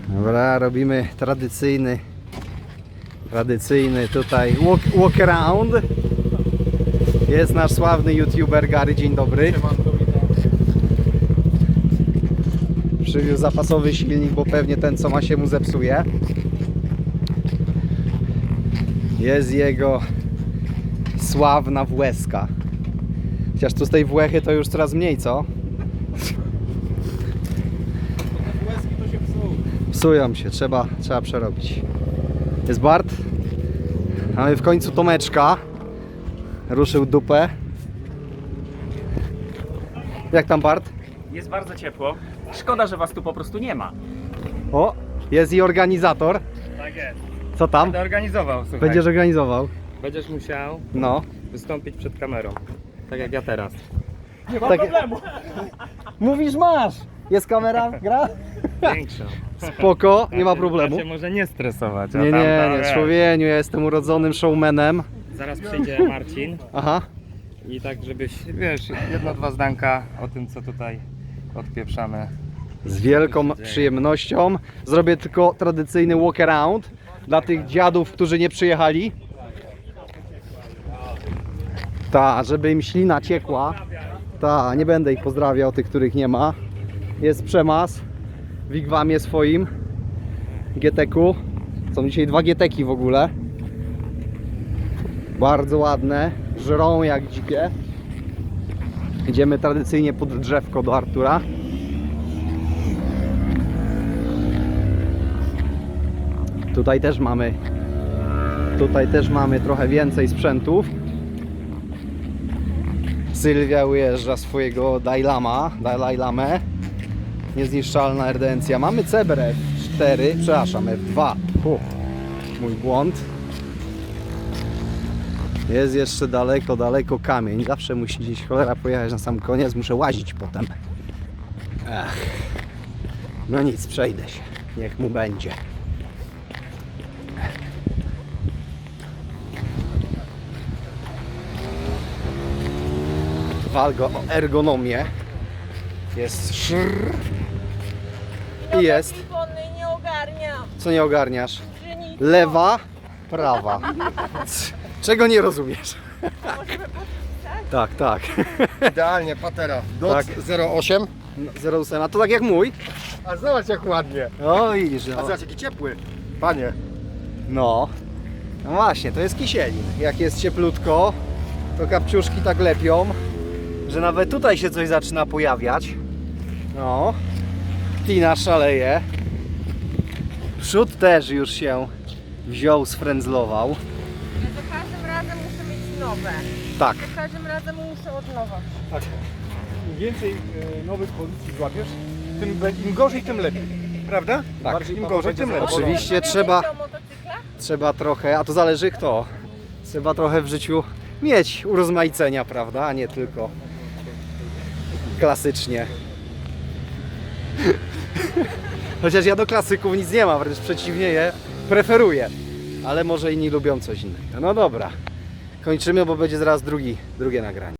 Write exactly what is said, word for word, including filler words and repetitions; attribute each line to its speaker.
Speaker 1: Dobra, robimy tradycyjny, tradycyjny tutaj walk, walk around. Jest nasz sławny youtuber Gary, dzień dobry. Przywiózł zapasowy silnik, bo pewnie ten co ma się mu zepsuje. Jest jego sławna Włeska. Chociaż tu z tej Włechy to już coraz mniej, co?
Speaker 2: Włeski to się psuł.
Speaker 1: Psują się, trzeba, trzeba przerobić. Jest Bart. Mamy w końcu Tomeczka. Ruszył dupę. Jak tam, Bart?
Speaker 2: Jest bardzo ciepło. Szkoda, że was tu po prostu nie ma.
Speaker 1: O, jest i organizator.
Speaker 2: Tak jest.
Speaker 1: Co tam?
Speaker 2: Będę organizował, słuchaj.
Speaker 1: Będziesz organizował?
Speaker 2: Będziesz musiał
Speaker 1: No.
Speaker 2: wystąpić przed kamerą. Tak jak ja teraz. Nie
Speaker 1: ma problemu. Mówisz, masz. Jest kamera, gra?
Speaker 2: Większą.
Speaker 1: Spoko, nie ma problemu.
Speaker 2: Da się może nie stresować. a
Speaker 1: Nie,
Speaker 2: tam,
Speaker 1: nie,
Speaker 2: tam,
Speaker 1: nie,
Speaker 2: wiesz.
Speaker 1: człowieku, ja jestem urodzonym showmanem.
Speaker 2: Zaraz przyjdzie Marcin
Speaker 1: Aha.
Speaker 2: i tak żebyś, wiesz, jedno, dwa zdanka o tym, co tutaj odpieprzamy.
Speaker 1: Z wielką przyjemnością. Zrobię tylko tradycyjny walk around dla tych dziadów, którzy nie przyjechali. Ta, żeby im ślina ciekła. Ta, nie będę ich pozdrawiał, tych, których nie ma. Jest przemas w wigwamie swoim G T K-u. Są dzisiaj dwa G T K-i w ogóle. Bardzo ładne, żrą jak dzikie. Idziemy tradycyjnie pod drzewko do Artura. Tutaj też mamy Tutaj też mamy trochę więcej sprzętów. Sylwia ujeżdża swojego Dailama, Dalai Lamę. Niezniszczalna erdencja. Mamy Ceber F cztery, przepraszam, F dwa. Uf, mój błąd. Jest jeszcze daleko, daleko kamień. Zawsze musi gdzieś cholera pojechać na sam koniec. Muszę łazić potem. Ech. No nic, przejdę się. Niech mu będzie. Walgo o ergonomię. Jest szrr. I jest.
Speaker 3: Nie ogarniam.
Speaker 1: Co nie ogarniasz?
Speaker 3: Że nic.
Speaker 1: Lewa, prawa. C- Czego nie rozumiesz? Tak, tak.
Speaker 4: Idealnie, patera. Dot
Speaker 1: Tak.
Speaker 4: zero osiem.
Speaker 1: zero osiem, a to tak jak mój.
Speaker 4: A zobacz jak ładnie.
Speaker 1: O, widzisz,
Speaker 4: A
Speaker 1: no.
Speaker 4: zobacz jaki ciepły. Panie.
Speaker 1: No. No właśnie, to jest kisielin. Jak jest cieplutko, to kapciuszki tak lepią, że nawet tutaj się coś zaczyna pojawiać. No. Tina szaleje. Przód też już się wziął, sfrędzlował.
Speaker 3: Ja za każdym razem muszę mieć nowe.
Speaker 1: Tak.
Speaker 3: Za każdym razem muszę od nowa.
Speaker 4: Tak. Im więcej e, nowych pozycji złapiesz, tym, be- im gorzej, tym lepiej. Prawda?
Speaker 1: Tak.
Speaker 4: Im gorzej, tym lepiej.
Speaker 1: Oczywiście
Speaker 3: Pamiętacie
Speaker 1: trzeba-
Speaker 3: o motocyklach?
Speaker 1: Trzeba trochę, a to zależy kto. Trzeba trochę w życiu mieć urozmaicenia, prawda? A nie tylko klasycznie. Chociaż ja do klasyków nic nie mam, wręcz przeciwnie, je preferuję. Ale może inni lubią coś innego. No dobra, kończymy, bo będzie zaraz drugi, drugie nagranie.